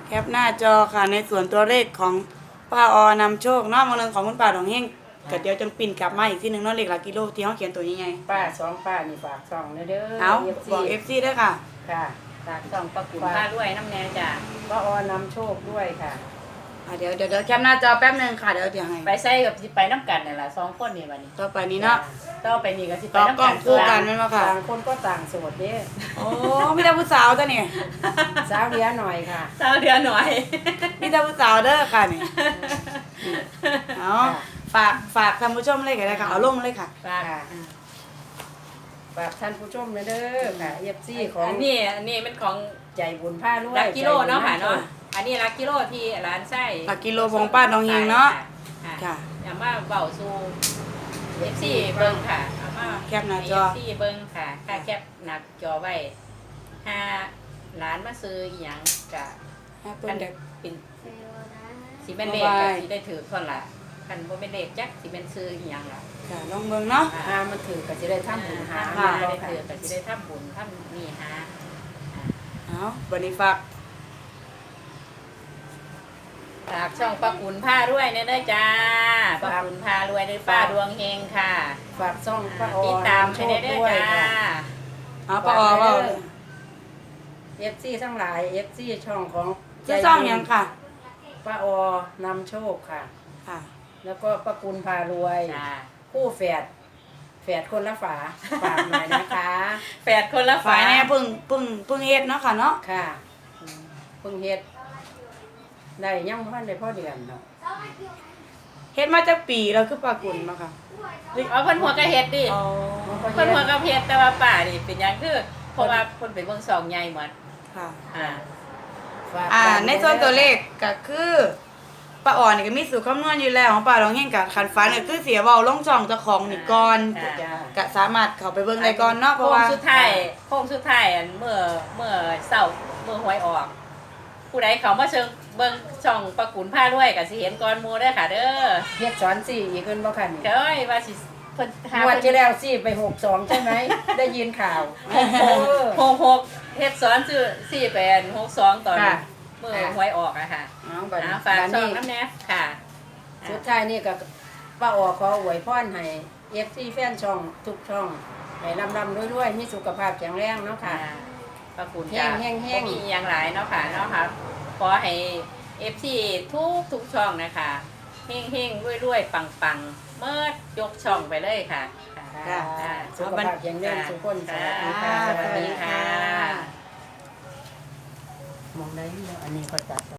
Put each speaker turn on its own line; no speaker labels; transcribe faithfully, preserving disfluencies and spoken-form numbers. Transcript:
แคปหน้าจอค่ะในส่วนตัวเลขของป้าออนำโชคเนาะมาเรื่องของคุณป้าดองเฮงก็เดี๋ยวจังปิ่นกลับมาอีกทีหนึงเนาะเลขหลักกิโลที่เขาเขียนตัวยังไง
ป้าสองป้านี่ฝากช่องเด้อเด้อ
เอา
เอฟ
บอก
ซี
เอฟซีด้วยค่ะ
ค่ะ
ฝากส่องประกุนผ้าด้วยน้ำแน่จ้ะ
ป้าออนำโชคด้วยค่ะ
อ่ะเดี๋ยวเดี๋ยวเดี๋ยวแคปหน้าจอแป๊บหนึงค่ะเดี๋ยวเดี๋ยวให้
ไปใส่กับสิไปน้ำกันนี่แหละสองคนนี่วันนี้
ต่อไปนี้เนาะ
ต่อไปนี่ก็สิไป
ต่อ
น้ำ
กล้อ
กั
ง
น
คู่กันไหมมาค่ะ
ต่างคนก็ต่างโสดเด้
โอ้มีแต่ผู้สาวจ้ะนี่
สาวเดียวหน่อยค่ะ
สาวเดือนหน่อย
มีแต่ผู้สาวเด้อค่ะนี่เอาฝากฝากท่านผู้ชมเลยก็ได้ค่ะเอาลงเลยค่ะ
ฝาก
ค่ะ ฝากท่านผู้ชมเด้อค่ะเอฟซีของ
อันนี้อันนี้เป็นของ
ใจบุญผ้าด้วย
ลักกิโลเนาะค่ะ
ใจบุญ
เนาะอันนี้ลักกิโลที่ร้านไส้
หลักกิโลของป้าดองเฮงเนาะ
ค่ะ
ค่ะ
อย่ามาเบาสู่เอฟซีเบิ้งค่ะเอามา
แคปหน้าจอ
เอฟซีเบิ้งค่ะค่าแคปหนักจอไว้ห้าร้านมาซื้ออีหยังกะ
ให้เพิ่
กัน น
เด็ก
เป็นสีเป็นเลข
บ๊ายบาย
กับสีได้ถือคนละคันบ่เป็นเลขจักสีเป็นซื้ออีหยังล่ะ
ค่ะลองเบิ่งเนาะ
หามันถือก็จะได้ทำบุญหา
หา
เนาะ
ได้
ค่ะ
ถือกับสีได้ทำบุญทำนี่หา
เอาวันนี้ฝาก
ฝากช่องป้ากุนผ้าด้วยเนี่ยเด้อจ้าป้ากุนผ้ารวยด้วยป้าดวงเฮงค่ะ
ฝากซ่องป้าออ
ติด
น
ตาม
โช
ให้
ค
ได้เด้อ
ด้วย
จ้า
ค่ะ
เอาป้าออเปล่า
เอฟซีทั้งหลายเอฟซีช่องของ
ชื่อซ่องหยังค่ะ
ป้าออนำโชคค่ะ
ค่ะ
แล้วก็ป้ากุลพารวย
จ้า
คู่แฝดแฝดคนละฝาฝากหน่อยนะคะ
แฝดคนละ
ฝ่า
ฝาย
แน่เพึ่งเพึ่งเพึ่งเฮ็ดเนาะค่ะเนาะ
ค่ะอืมเพิ่งเฮ็ดได้ยังพันได้พ่อเดือนเนาะ
เฮ็ดมาจากปีแล้วคือปลากุลมาค่ะ
เอาเพิ่นหัวกระเฮ็ดดิ
อ๋อ
เพิ่นหัวกระเฮ็ดแต่ว่าป้านี่เป็นหยังคือเพราะว่าเพิ่นเป็นเบิ่งสองใหญ่หมด
ค่ะ
อ่า
ฝาก
อ่า
กัน
ในส่วนตัวเลขก็คือป้าอ่อนนี่ก็มีสูตรคำนวณอยู่แล้วของป้าลองเฮงกับคันฟ้าเนี่ยคือเสียเว้าลงจ่องเจ้าของนี่ก่อน
จ้า
ก็สามารถเข้าไปเบิ่งได้ก่อนเนาะเพ
โค้
ราะ
ง
ว่า
สุดท้ายโค้งสุดท้ายอันเมื่อเมื่อเช้าเมื่อหวยออก ผู้ใดเขามาเชิงเบิ่งช่องประกุนผ้าด้วยก็สิเห็นก่อนหมู่เด้อค่ะเด้อ
เฮ็ดสอนสี่อีกขึ้นบ่คัน
เอ้ยว่าสิเพิ่นหาง
วด
เพิ่น
ที่แล้วสี่ไปหกสองใช่ไหม ได้ยินข่าวเออ
หกหกเฮ็ดสอนชื่อสี่แปดหกสองตอน
ค่ะ
เมื่อหวยออกอะค่ะ
เอาบัด
อ่า
นี้
ฝาก
บัด
ช่อง
นี้
น้ำแน่ค่ะ
สุดท้ายนี่ก็ป้าออขออวยพรให้เอฟซีแฟนช่องทุกช่องให้ร่ำร่ำรวยๆมีสุขภาพแข็งแรงเนาะ
ค่ะ
ค่ะ
ประกุน
แห้งแห้งแห้ง
บ่มีอย่างหลายเนาะค่ะเนาะค่ะขอให้ เอฟ ซี ทุกทุกช่องนะคะเฮงเฮงรวยรวยปังปังเมื่อยกช่องไปเลยค่ะ
ค่ะ
ค่ะ
สุขภาพแข็งแรงทุกคนสวัสดีค่ะ
สวัสดีค่ะ
มองได้แล้วอันนี้ก็จัด